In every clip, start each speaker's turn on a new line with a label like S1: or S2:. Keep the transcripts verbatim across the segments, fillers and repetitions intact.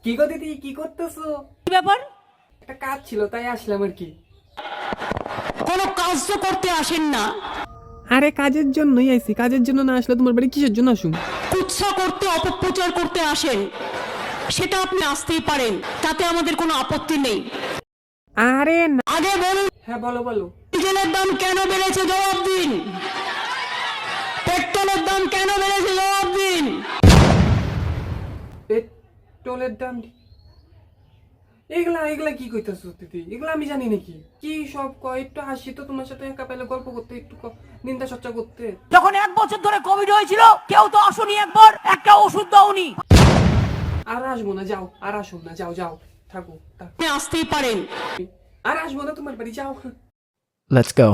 S1: কি গো দিদি, কি করতেছো?
S2: কি ব্যাপার?
S1: একটা কাজ ছিল তাই আসলাম আর কি।
S2: কোনো কাজ তো করতে আসেন না,
S1: আরে কাজের জন্যই আইছি, কাজের জন্য না আসলে তোমার বাড়ি কিসের জন্য আসুন?
S2: কুৎসা করতে অপপ্রচার করতে আসেন, সেটা আপনি আসতেই পারেন, তাতে আমাদের কোনো আপত্তি নেই।
S1: আরে না।
S2: আগে বলুন,
S1: হ্যাঁ বলো বলো।
S2: ডিজেলের দাম কেন বেড়েছে জবাব দিন। পেট্রোলের দাম কেন বেড়েছে জবাব দিন।
S1: পেট্রোলের দাম, এগুলা এগুলা কি কইতাছো দিদি? এগুলা আমি জানি নাকি? কি সব কয়? একটু হাসি তো তোমার সাথে, একা পেলে গল্প করতে, একটু ক- নিন্দা চর্চা করতে।
S2: যখন এক বছর ধরে কোভিড হয়েছিল কেউ তো আসুনি, একবার একটা ওষুধ দাওনি।
S1: আর আসবো না, যাও। আর আসুন না, যাও যাও, থাকো থাকো।
S2: আপনি আসতেই পারেন।
S1: আর আসবো না তোমার বাড়ি, যাও।
S3: Let's go.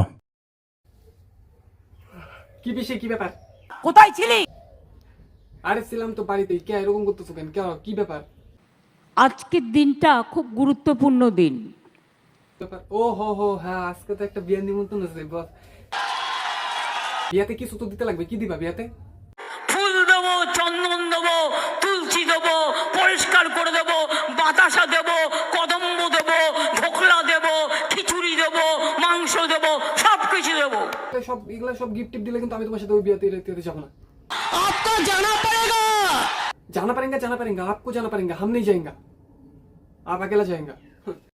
S1: কি বিষয়, কি ব্যাপার?
S2: কোথায় ছিলি?
S1: আরে ছিলাম তো বাড়িতেই। কে এরকম করতেছো কেন? কে, কি ব্যাপার?
S2: আজকের দিনটা খুব গুরুত্বপূর্ণ দিন।
S1: ব্যাপার ও হো হো, হ্যাঁ আজকে তো একটা বিয়ের নিমন্ত্রণ আছে বস। বিয়াতে কিছু তো দিতে লাগবে, কি দিবা বিয়াতে?
S2: ফুল দেবো, চন্দন দেবো, তুলসী দেবো, পরিষ্কার করে দেবো, বাতাসা দেবো, কদম্ব দেবো, ঢোকলা দেবো, খিচুড়ি দেবো, মাংস দেবো, সব কিছু দেবো।
S1: সব এগুলা সব গিফট টিপ দিলে কিন্তু আমি তোমার সাথে ওই বিয়াতে যেতে যাবো না।
S2: आपको जाना पड़ेगा।
S1: जाना पड़ेगा, जाना पड़ेगा, आपको जाना पड़ेगा, हम नहीं जाएंगे, आप अकेला जाएंगे।